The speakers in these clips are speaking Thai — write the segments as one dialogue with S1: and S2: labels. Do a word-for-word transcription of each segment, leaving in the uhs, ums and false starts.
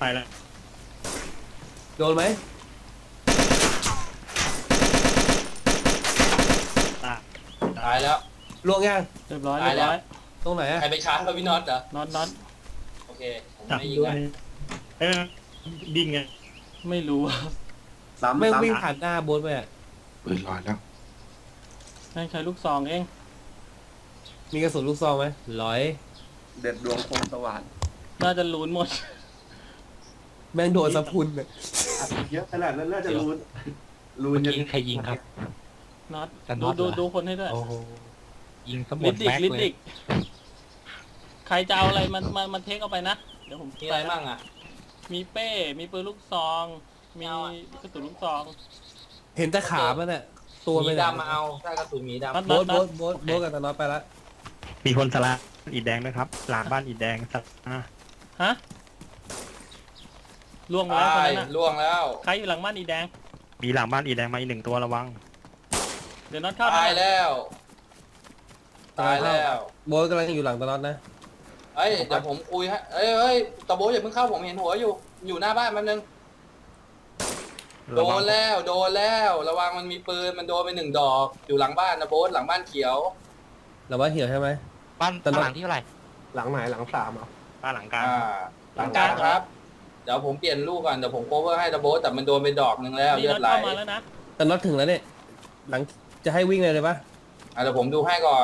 S1: ไปแล้ว
S2: โดนไหม
S1: ตาย
S3: ตายแล้ว
S2: ล่วงยัง
S4: เรียบร้อย
S3: ตา
S4: เรี
S3: ย
S4: ยบ
S3: แล้ว
S4: ร้อย
S2: ตรงไหนอะ
S3: ใครไปชาร์จกับพี่น็อตเหรอ
S4: น็อตน็อต
S3: โอเคผม
S1: จับ
S3: ไม่ยิง
S1: ด้วย
S3: นะ
S1: เอ้ยดิ้งไง
S4: ไม่รู้
S5: ซ้ำ
S2: ไม่ง
S5: ซ้ำ
S2: วิ่งผ่านหน้าโบ๊ทไปอะ
S6: ปืนลอยแล้ว
S4: ให้ใช้ลูกซองเอง
S2: มีกระสุนลูกซองไหมร้อย
S5: เด็ดดวงคมสว่าน
S4: น่าจะลุ้นหมด
S2: แม่งโดนสะพุนอะ
S5: อัดเยอะขนาดนั้นน่าจะรูนรูน
S7: เมื่อ
S5: ยัน
S7: กี้ใครยิงครับ
S4: น็อต
S7: แต่น็
S4: ดู
S7: อต
S4: ดู
S7: เหรอ
S4: ดูคนให้ด้วย
S7: โอ้โหยิงสม
S4: ลิ
S7: ด
S4: ดดิก
S7: แม็ก
S4: ลิด
S7: เล
S4: ดิ
S7: ย
S4: กใครจะเอาอะไรมันมันมันเทคเอาไปนะเดี๋ยวผม
S3: มีอะไรบ้างอ่ะ
S4: มีเป้ มีปืนลูกซอง มี
S3: เอาอะ
S4: กระสุนลูกซอง
S2: เห็นแต่ขามันอะตัว
S3: ห
S2: ไป
S3: มี
S2: ไหน
S3: ดำมาเอาถ้ากระสุนหมีดำ
S4: น็อต
S2: โบ๊
S4: น็อ
S2: ท
S4: ต
S2: โบ๊ทโบ๊ทโบ๊ทกับตาน็อตไปละ
S1: มีคนสละอิฐแดงด้วยครับ หลังบ้านอิฐแดงสักอ่ะ
S4: ฮะล่วงไปแล้วคน
S3: ตาย
S4: นั้นน่ะ
S3: ล่วงแล้ว
S4: ใครอยู่หลังบ้านอีแดง
S1: มีหลังบ้านอิฐแดงมาอีกหนึ่งตัวระวัง
S4: เดี๋ยวน็อตเข้า
S3: ตาย
S4: นะ
S3: แล้ว ตายแล้ว
S2: โบ๊ทกำลังอยู่หลังตาน็อตนะ
S3: เอ้ยเดี๋ยวผมคุยให้เอ้ยเอ้ยตะโบอย่าเพิ่งเข้าผมเห็นหัวอยู่ อยู่หน้าบ้านแป๊บนึง โด
S1: ระวัง
S3: นแล้วโดนแล้ว ระวังมันมีปืนมันโดนไปหนึ่งดอก อยู่หลังบ้านนะโบ๊ทหลังบ้านเขียว
S2: หรือว่าเหี่ยวใช่ไหม
S7: บ้าน
S2: แต่น็อต
S7: หลังที่เท่าไหร่
S5: หลังไหนหลังสามอ่ะ
S1: บ้านหลังกลาง
S3: อ่า หลังกลางครับ เดี๋ยวผมเปลี่ยนลูกก่อนเดี๋ยวผมโคเวอร์ให้ตะโบแต่มันโดนไปดอกหนึ่งแล้ว
S4: นี่
S3: เลือ
S4: น็อ
S3: ด
S4: ต
S3: ไหล
S4: เข้ามาแล้วนะ
S2: ตาน็อตถึงแล้วเนี่ยหลังจะให้วิ่งเลยเลยปะ
S3: อ่ะเดี๋ยวผมดูให้ก่อน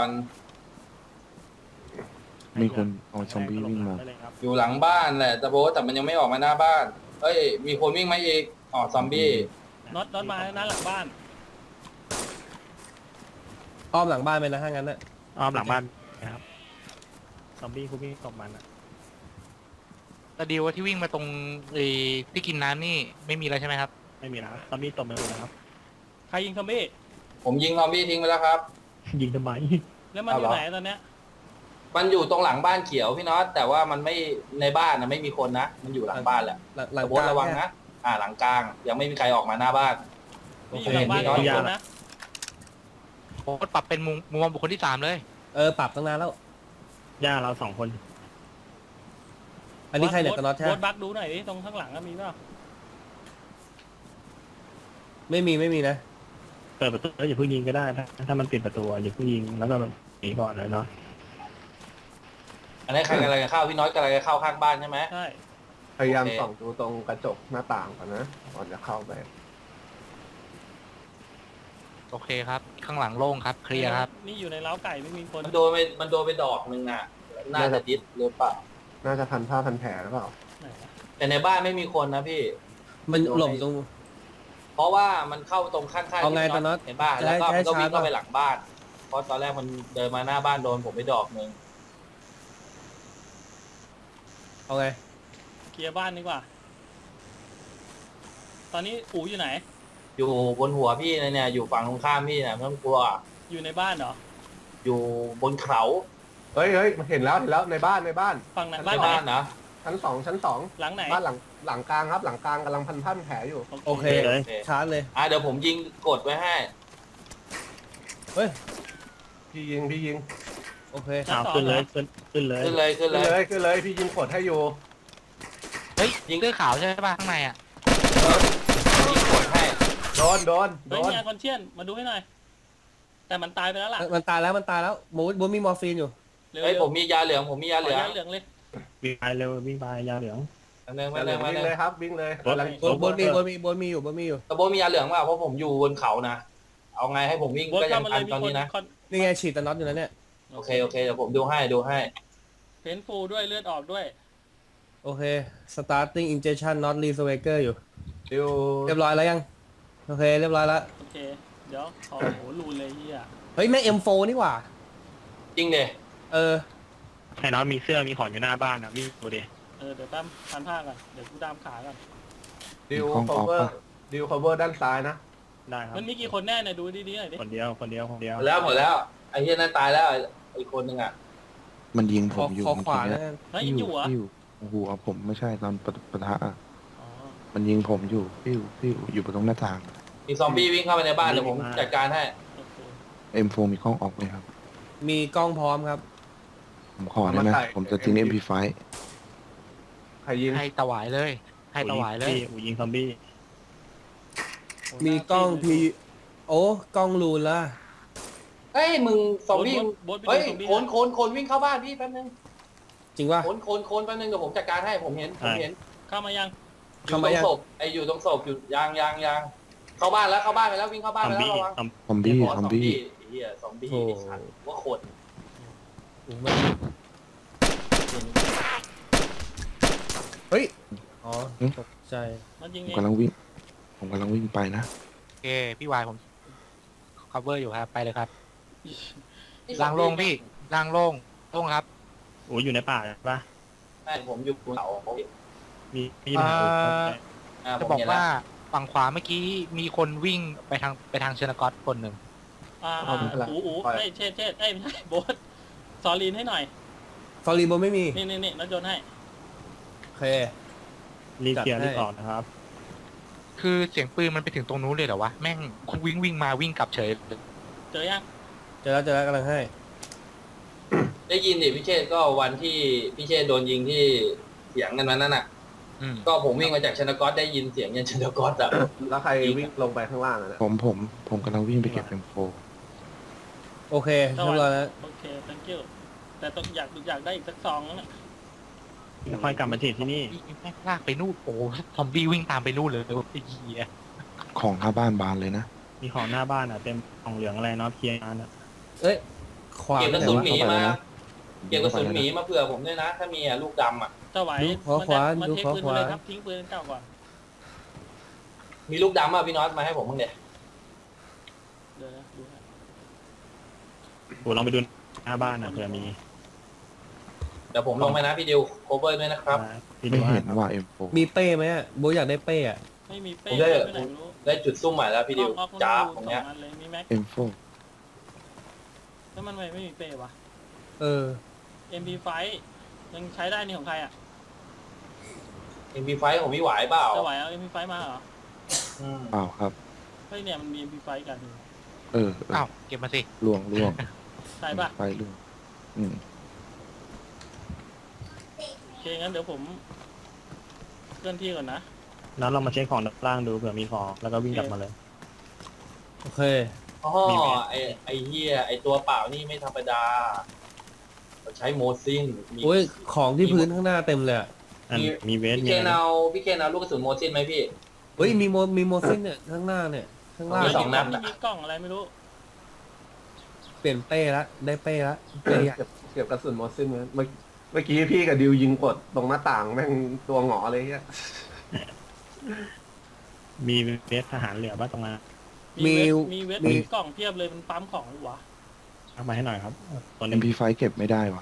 S6: มีคนเอาซอมบี้วิ่งมา
S1: ได้เลยครับ
S3: อยู่หลังบ้านแหละตะโบแต่มันยังไม่ออกมาหน้าบ้านเอ้ยมีคนวิ่งมาอีกอ๋อซอมบี้
S4: น็อตน็อตมาแล้วนะหลังบ้าน
S2: อ้อมหลังบ้านไปนะถ้างั้นน่ะ
S1: อ้อมหลังบ้านนะครับซอมบี้คุกกี้ตบมันอ่ะ
S7: แต่ดีว่าที่วิ่งมาตรงไอ้ที่กินน้ำนี่ไม่มีแล้วใช่ไหมครับ
S1: ไม่มีแล้วซอมบี้ตบมันเลยนะครับ
S4: ใครยิงซอมบี้
S3: ผมยิงซอมบี้ทิ้งไปแล้วครับ
S1: ยิงทำไม
S4: แล้วมันอยู่ไหนตอนเนี้ย
S3: มันอยู่ตรงหลังบ้านเขียวพี่น็อตแต่ว่ามันไม่ในบ้านนะไม่มีคนนะมันอยู่หลังบ้านแหละ
S2: หลังหลัง
S3: ตะโบ
S2: กลาง
S3: ระวัง
S2: เนี่ย
S3: นะอ่าหลังกลางยังไม่มีใครออกมาหน้าบ้าน
S4: นี่อยู่หลังบ้าน
S3: โอเค
S4: ทุกคนนะ
S7: โอ้ปรับเป็นมุมมุมมองบุคคลที่สามเลย
S2: เออปรับตั้งนานแล้ว
S1: ย่าเราสองคน
S2: อันนี้ใครเนี่ยตาน็อตใช่
S4: โบ
S2: ไหม
S4: สบักดูหน่อยดิตรงข้างหลังก็มีเปล่า
S2: ไม่มีไม่มีนะ
S1: เปิดประตูแล้วอย่าเพิ่งยิงก็ได้ถ้าถ้ามันปิดประตูอย่าเพิ่งยิงแล้วก็หนีก่อนเลยเนาะ
S3: อันนี้ใครกำลังจะเข้าพี่น็อตกำลังจะเข้าข้างบ้านใช่ไหม
S4: ใช่
S5: พยายาม
S3: โอเค
S5: ส่องดูตรงกระจกหน้าต่างก่อนนะก่อนจะเข้าไป
S7: โอเคครับ ข้างหลังโล่งครับ เคลียร์ครับ
S4: นี่อยู่ในเล้าไก่ไม่มีคน
S3: มันโดนไปมันโดนไปดอกหนึ่งอ่ะน่าจะดิสหรือเปล่า
S5: น่าจะพันผ้าพันแผลหรือเปล่า
S4: ไหนวะ
S3: แต่ในบ้านไม่มีคนนะพี่
S2: มันหลบตรง
S3: เพราะว่ามันเข้าตรงข้างๆ
S2: เอาไง
S3: ที่
S2: ตอนนั้น
S3: เห็นบ้าน
S2: จะ
S3: แล้ว
S2: ให้
S3: ก็
S2: จะให้
S3: มันก็วิ่ง
S2: ชาร์จ
S3: เข้าไป
S2: ป่ะ
S3: หลังบ้าน เพราะตอนแรกมันเดินมาหน้าบ้านโดนผมไปดอกหนึ่ง
S2: เอาไง
S4: เคลียร์บ้านดีกว่า ตอนนี้อู๋อยู่ไหน
S3: อยู่บนหัวพี่เนี่ยอยู่ฝั่งตรงข้ามพี่เนี่ยไม่ต้องกลัว
S4: อยู่ในบ้านเหรอ
S3: อยู่บนเขา
S5: เฮ้ยเฮ้ยมันเห็นแล้วเห็นแล้วในบ้านในบ้าน
S4: ฝั่งไหน
S3: ใน
S4: บ้านไหน
S3: บ้านนะ
S5: ชั้นสองชั้นสอง
S4: หลังไหน
S5: บ้านหลังหลังกลางครับ หลังกลางกำลังพันผ้าพันแผลอยู่
S2: โอเค
S1: เลย
S2: ชาร์จเลย
S3: อ่ะเดี๋ยวผมยิงกดไว้ให้
S2: เฮ้ย
S5: พี่ยิงพี่ยิง
S2: โอเค
S4: ชั้น
S1: เอา
S4: สอง
S1: ขึ้น
S4: เหร
S1: เล
S4: อ
S1: ยขึ้นขึ้นเลย
S3: ขึ้นเลยขึ้น
S5: ขึ้น
S3: เล
S5: เลย ยขึ้นเลยพี่ยิงกดให้อยู่
S7: เฮ้ยยิงเสื้อขาวใช่ป่ะข้างในอ่ะ
S3: ยิงกดให้
S5: โดนโดนโด
S4: เฮ้ย
S5: น
S4: มีอาคอนเชียนมาดูให้หน่อย แต่มันตายไปแล้วล่ะ
S2: มันตายแล้วมันตายแล้วโบ๊ทโบ๊ทมีมอร์ฟีนอยู่
S4: เร็ว
S3: เฮ้ย
S4: ๆ
S3: ผมมียาเหลืองผมมียา
S4: ข
S3: เห
S4: อ
S3: ลือง
S4: ยาเหลืองเลย
S1: วิ่งไปเร็ววิ่งไปยาเหลือง
S3: อันนึง
S5: มา
S3: มา
S5: เล
S3: เลย ยมา
S5: วิ่ง
S3: เล
S5: เลย ยครับวิ่งเลย
S1: รถ
S5: กำลัง
S2: โบ๊ทโบ๊ทมีโบ๊ทมีโบ๊ทมีอยู่โบ๊ทมีอยู่
S3: ตะโบมียาเหลืองเปล่าเพราะผมอยู่บนเขานะ เอาไงให้ผมวิ่ง
S4: โบส
S3: ก็ยั
S4: เข้าง มาเล
S3: ทั
S4: ย
S3: น
S4: มี
S3: ตอน
S4: คน
S3: นี้นะ
S4: คอน
S2: นี่ไงฉีดตาน็อตอยู่นะเนี่ย
S3: โอเคโอเคเดี๋ยวผมดูให้ดูให้
S4: เพนฟูด้วยเลือดออกด้วย
S2: โอเค starting injection not resurrector อยู่
S5: ดิว
S2: เรียบร้อยแล้วยัง โอเค เรียบร้อยแล้ว
S4: โอเค เดี๋ยวขอโหรูนเลยเฮีย
S2: เฮ้ย แม่ง เอ็ม โฟร์ นี่หว่า
S3: จริงเด
S2: เออ
S1: ไอ้น้องมีเสื้อมีของอยู่หน้าบ้านนะวิ่งดูดิ
S4: เออเดี๋ยวตั้มพันผ้าก่อนเดี๋ยวกูดามขาก่อน
S5: ดิว
S6: มีห้อง
S5: คอ
S6: ออฟ
S5: เวอ
S6: ปะ
S5: ร์ดิวคอเวอร์ด้านซ้ายนะ
S1: ได้ครับ
S4: มันมีกี่คนแน่เนี่ยดูดีๆหน่อยดิ
S1: คนเดียวคนเดียวคนเดียว
S3: หมดแล้วหมดแล้วไอ้เหี้ยนั่นตายแล้วไอ้คนหนึ่งอ่ะ
S6: มันยิงผ
S2: ขอ
S6: มอยู่
S2: ขอ
S6: เมื่อ
S2: ขวา
S6: กี้
S2: แล้ว
S6: เนี่ย
S2: กัน
S4: เฮ้ยยังอยู่เหรอ
S6: ปิ้วหัวผมไม่ใช่ตอนปะปะทะอะ
S4: อ๋อ
S6: มันยิงผมอยู่ปิ้วปิ้วอยู่บนตรงหน้าต่าง
S3: มีซอมบี้วิ่งเข้าไปในบ้านเดี๋ยวผมจัดการให้
S4: โอเค
S6: เอ็มโฟมีกล้องออกไหมครับ
S2: มีกล้องพร้อมครับ
S6: ผมขอได้ไหมผมจะทิ้ง เอ็ม พี ไฟว์
S5: ใครยิง
S7: ให้ถวายเลยให้ถวายเลย
S1: อูยิงซอมบี้
S2: มีกล้องพีโอ้กล้องรูนละ
S3: เฮ้ยมึงซอมบี้
S4: โบ๊ทโบ๊ทไป
S3: เฮ้ย
S4: ดูซอมบี้
S3: โคนโคนโคนวิ่งเข้าบ้านพี่แป๊บนึง
S2: จริงป่ะ
S3: โคนโคนโคนแป๊บนึงเดี๋ยวผมจัดการให้ผมเห็นผมเห็น
S4: เข้ามายัง
S3: อยู่ตรงศพไออยู่ตรงศพอยู่ยางยางยางเข้าบ้านแล้วเข้าบ้านไปแล้ววิ่งเข้าบ้าน
S1: ซอ
S3: ไป
S1: ม
S3: แล้ว
S1: บี้
S3: ระวัง
S1: ซอม
S6: ซอมบี้
S3: เดี๋ยว
S6: ซอมบี้
S3: ไอ้เหี้ยซอมบี้
S2: โอ้
S3: ไอ้สัตว์ว่าคน
S2: โอ้มันเฮ้ยอ๋อตกใจ
S4: มันยิง
S6: ผม
S4: เอง
S6: กำลังวิ่ง ผมกำลังวิ่งไปนะ
S7: โอเค พี่วายผม cover อยู่ครับ ไปเลยครับ
S3: ไอ้ซอ
S7: ล่าม ง
S3: บี้
S7: โล่งพี่ล่างโล่งโล่งครับ
S1: อูอยู่ในป่าใช่ปะ
S3: แม่ผมอยู่บนเขา
S1: มีมีปัญหาอู
S7: เอ่อ
S3: อ่าผ
S7: จะ
S3: ม
S7: บอก
S3: เห็นแล้
S7: ว่าว ฝั่งขวาเมื่อกี้มีคนวิ่งไปทางไปทางเชนกอตคนหนึ่ง
S4: อ่า
S5: เอาไม่เป็นไร
S4: อูอู
S5: ปล่อย
S4: เอ้ยเชษเชษเอ้ยไม่ใช่โบ๊ทซอลีนให้หน่อย
S2: ฟอรีโบไม่มี
S4: นี่นี่นี่นัดยนต์ให้
S2: โอเค
S1: รีบเคลียร์
S2: จัดให้
S1: รีบออกนะครับ
S7: คือเสียงปืนมันไปถึงตรงนู้นเลยเหรอวะ แม่งวิ่งวิ่งมาวิ่งกลับเฉย
S4: เจอยัง
S2: เจอแล้วเจอแล้วกำลังให้
S3: ได้ยินดิพี่เชษก็วันที่พี่เชษโดนยิงที่เสียงกันวันนั้นน่ะ
S7: อืม
S3: ก็ผมวิ่งมาจากชนกอตได้ยินเสียงยันชนกอตอ่ะ
S5: แล้วใครวิ่งลงไปข้างล่างอะเนี่ย
S6: ผมผมผมกำลังวิ่งไปเก็บ เอ็ม โฟร์
S2: โอเคเรียบร้อยแล้ว
S4: โอเค thank you แต่ต้องอยากอยากได้อีกสักซองแล้วเนี่ย
S1: แล้วค่อยกลับมาฉีดที่นี่
S7: แม่งลากไปนู่นโอ้ซอมบี้วิ่งตามไปนู่นเลยไอ้เหี้ย
S6: ของหน้าบ้านบานเลยนะ
S1: มีของหน้าบ้านอ่ะเต็มของเหลืองอะไรเนาะเคลียร์งานอ่ะ
S2: เอ้ย ขวา
S3: เก็บกระ
S2: ไหน
S3: สุน
S2: วะ
S3: หมี
S6: เข้าไป
S3: มา
S6: แล้วนะ
S3: เก็บกระสุนหมีมาเผื่อผมด้วยนะ ถ้ามีอ่ะลูกดำอ่ะ
S4: เจ้าไหว
S2: ดูขวาขวา
S4: มัน
S2: ดู
S4: เท
S2: ขวา
S4: ปืน
S2: ขวา
S4: ไปเลยครับทิ้งปืนเก่าก่อน
S3: มีลูกดำอ่ะพี่น็อตมาให้ผมบ้างเดี๋ยว
S4: เดี๋ยวนะดูนะ
S1: อูลองไปดูหน้าบ้านอ่ะเผื่อมี
S3: เดี๋ยวผมลงไปนะพี่ดิวโคเวอร์ด้วยนะครับ
S1: พี่
S6: ไม่
S1: ดู
S6: เห็นว่า เอ็ม โฟร์
S2: มีเป้ไหมอะโบอยากได้เป้อะ
S4: ไม่มีเป้
S3: ผมได้
S4: ไปไหนไม่รู้
S3: ได้จุดซุ่มใหม่แล้วพี่ดิว
S4: ออก
S3: จ้า
S4: บ
S3: บตรงเนี้ย
S4: สออันเลยมีแม็ก
S6: เอ็ม โฟร์
S4: แล้วมันไม่ไม่มีเป้วะ
S2: เออ
S4: เอ็ม พี ไฟว์ยังใช้ได้นี่ของใครอ่ะ
S3: เอ็มพีไฟผมมีไหวเปล่า
S4: เจะไหวเอา เอ็ม พี ไฟว์มาเหรอ
S3: อืม
S6: เปล่าครับ
S4: เฮ้ยเนี่ยมันมี เอ็ม พี ไฟว์กัน
S6: เออเออ
S7: อ้าวเก็บมาสิ
S6: ล่วงล่วง
S4: ใช่ป่ะ
S6: ไปล่วงอืม
S4: โอเคงั้นเดี๋ยวผมเคลื่อนที่ก่อนนะ
S1: แล้วเรามาเช็คของด้านล่างดูเผื่อมีของแล้วก็วิ่งกลับมาเลย
S2: โอเค
S3: อ๋อ
S1: มีไหม
S3: ไอไอเฮียไอตัวเปล่านี่ไม่ธรรมดาเราใช้โมซินมี
S2: โอ้ย ของที่พื้นข้างหน้าเต็มเลยอะ
S1: อัน
S3: มี
S1: มีเวส
S3: พี่
S1: มี
S3: เคน
S1: อะไร
S3: เอาพี่เคนเอาลูกกระสุนโมซินไหมพี่
S2: เฮ้ย มีโมมีโมซินเนี่ย ข้างหน้าเนี่ย ข้างล่าง
S3: มีสองนัด
S4: นี่มีกล้องอะไรไม่รู้
S2: เปลี่ยนเป้ละ ได้เป้ละเป้ใหญ่
S5: เก็บเก็บกระสุนมอสซินไว้เมื่อเมื่อกี้พี่กับดิวยิงกดตรงหน้าต่างแม่งตัวหงอเลยเฮีย
S1: มีเวสทหารเหลือบ้างตรงนั้น
S4: มีเวทมีเวทมีกล่องเพียบเลยมันปั๊มของหรือวะ
S1: เอามาให้หน่อยครับตัว
S6: เอ็
S1: นี้
S6: ม พี ไฟว์ เก็บไม่ได้ว่ะ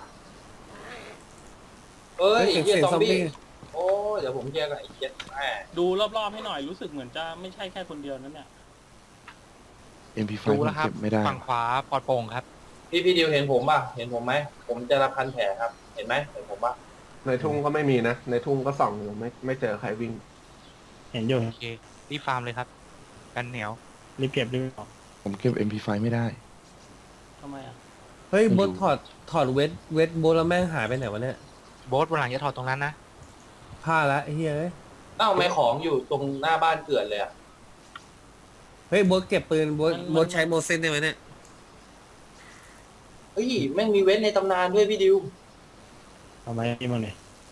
S3: เอ้ย
S2: เฮ้ย
S3: ไอ้
S2: เสียง
S3: เฮีย
S2: เสียง
S3: ซอม
S2: ซอม
S3: บี้
S2: บี้
S3: โอ้เดี๋ยวผมแยกกับไอ้เจ็ดแม่
S4: ดูรอบๆให้หน่อยรู้สึกเหมือนจะไม่ใช่แค่คนเดียวนั่นเนี่ย
S6: เอ็ม พี ไฟ
S7: ดู
S6: ว์
S7: แล้วครับ
S6: เก็บไม่ได้
S7: ฝั่งขวาปลอดโปร่งครับ
S3: พี่พี่ดิวเห็นผมป่ะเห็นผมไหมผมจะรับพันแผลครับ เห็นไหมเห็นผมป่ะ
S5: ในทุ่งก็ไม่มีนะ ในทุ่งก็ส่องอยู่ไม่ไม่เจอใครวิ่ง
S1: เห็นอยู่
S7: โอเค รีบฟาร์มเลยครับ กันเหนียว
S1: รีบเก็บรีบออก
S6: ผมเก็บ เอ็ม พี ไฟว์ ไม่ได้
S4: ทำไมอ่ะ
S2: เฮ้ย
S6: ไม่
S2: โบ
S6: รู้
S2: ทถอด ถอดเวท เวทโบทแล้วแม่งหายไปไหนวะเนี่ย
S7: โบ๊ทวันหลังจะถอดตรงนั้นนะ
S2: พลาดละไอ้เฮ้ยเอ้ย
S3: เอ้าไม่ของอยู่ตรงหน้าบ้านเกลื่อนเลยอะ
S2: เฮ้ยโบทเก็บปืนโบทโบทใช้โมซินได้ไหมเนี่ย
S3: เฮ้ยแม่งมีเว้นในตำนานด้วยพี่ดิว
S1: เอาไว้นี่บ้างเลย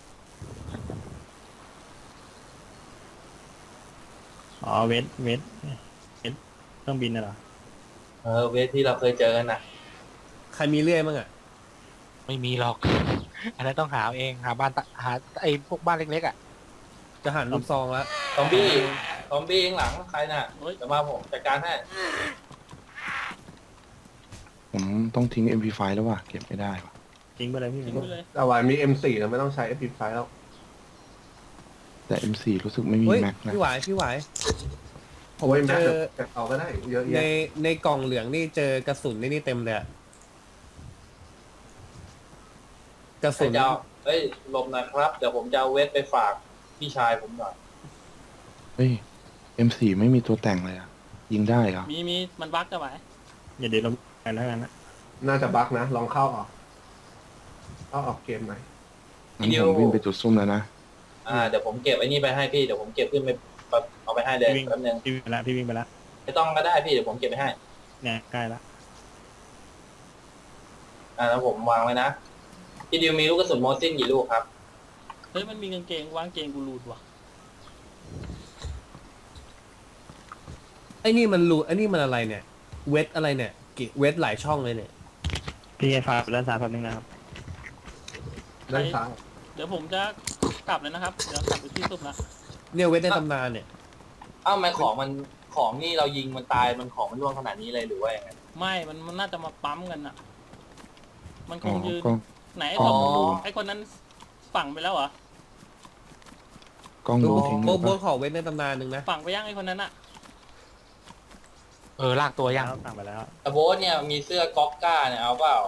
S1: อ๋อเวสเวสเวสเครื่องบินน่ะเหรอ
S3: เออเวทที่เราเคยเจอกันน่ะ
S2: ใครมีเลื่อยมั้งอะ
S7: ไม่มีหรอก อันนั้นต้องหาเอาเองหาบ้านตะหาไอ้พวกบ้านเล็กๆอ่ะ
S2: จะหันลูกซองแล้ว
S3: ซอมบี้ซอมบี้ข้างหลังใครน่ะ
S4: เฮ้ย
S3: จะมาผมจัดการให้
S6: ผมต้องทิ้ง เอ็ม พี ไฟว์ แล้วว่ะ เก็บไม่ได้ว่ะ
S1: ทิ้งไปเลยพี่
S4: ทิ้งไปเลย
S5: แต่ว่ามี เอ็ม โฟร์ แล้วไม่ต้องใช้ เอฟ พี ไฟว์ แล้ว
S6: แต่ เอ็ม โฟร์ รู้สึกไม่มี
S2: เฮ้ย
S6: แม็กนะ
S2: พี่หวายพี่หวาย
S5: ผมว่าแม็ก
S2: เจอ
S5: เก็บเอาก็ได้เยอะ
S2: ใน
S5: แยะ
S2: ในกล่องเหลืองนี่เจอกระสุนนี่นี่เต็มเลยอะกระ
S3: ใคร
S2: สุน
S3: จะเอาเฮ้ยหลบหน่อยครับ เดี๋ยวผมจะเอาเวทไปฝากพี่ชายผมหน่อย
S6: เฮ้ย เอ็ม โฟร์ ไม่มีตัวแต่งเลยอ่ะ ยิงได้เหรอ
S4: มีมีมันบั๊กจะไหว
S1: อย่าเดี๋ยวเราไปแล้วกันนะ
S5: น่าจะบั๊กนะ ลองเข้าออกเข้าออกเกมหน่อย
S6: งั้นผมวิ่งไปจุดซุ่มแล้วนะ
S3: อ่าเดี๋ยวผมเก็บไอ้นี่ไปให้พี่เดี๋ยวผมเก็บขึ้นไปเอาไปให้เลย
S1: พี่วิ่ง
S3: แป๊บนึง
S1: พี่วิ่งไปแล้วพี่วิ่งไปแล้ว
S3: ไม่ต้องก็ได้พี่เดี๋ยวผมเก็บไปให้
S1: เนี่ยใกล้ละ
S3: อ่าแล้วผมวางไว้นะพี่ดิวมีลูกกระสุนโมซินกี่ลูกครับ
S4: เฮ้ยมันมีกางเกงวางเกงกูรูดว่ะ
S2: ไอ้นี่มันรูไอ้นี่มันอะไรเนี่ย เวทอะไรเนี่ยกิเวทหลายช่องเลยเนี่ย
S1: พี่ไอ้ฟ้าด้านซ้ายแป๊บนึงนะครับ
S5: ด้านซ้าย
S4: เดี๋ยวผมจะกลับเลยนะครับเดี๋ยวกลับไปที่สุดละ
S2: เนี่ยเวทในตำนานเนี่ย
S3: อ้าวทำไมของมันของนี่เรายิงมันตายมันของมันร่วงขนาดนี้เลยหรือว่ายังไง
S4: ไม่มันมันน่าจะมาปั๊มกันอะมันค
S6: อ๋อง
S4: ยืน
S6: กล้อง
S4: ไหนไอ้
S3: อ๋
S4: ค
S3: อ
S4: นไอ้คนนั้นฝังไปแล้วเหรอก
S6: ล้อง
S2: โบ
S6: ดูทิ้ง
S2: โบ
S6: เลย
S2: โบ
S6: ปะ
S2: ขอเวทในตำนานหนึ่งนะ
S4: ฝังไปยังไอ้คนนั้นอะ
S7: เออลากตัวยัง
S1: แล้วสั่งไปแล้ว
S3: แต่โบ๊ทเนี่ยมีเสื้อก๊อกก้าเนี่ยเอาเปล่า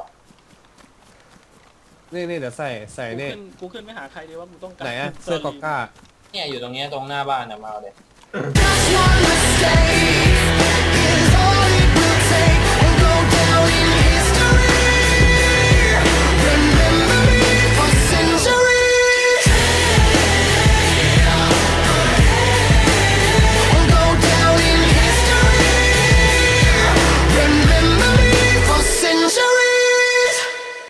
S2: นี่นี่เดี๋ยวใส่ใส่
S4: กู
S2: เนี่ย
S4: ขึ้นกูขึ้นไปหาใครดีว่ากูต้องการ
S2: ไหนอะเสื้อกอก้า
S3: เนี่ยอยู่ตรงเนี้ยตรงหน้าบ้านเนี่ยมาเอาเลย
S8: Just one mistake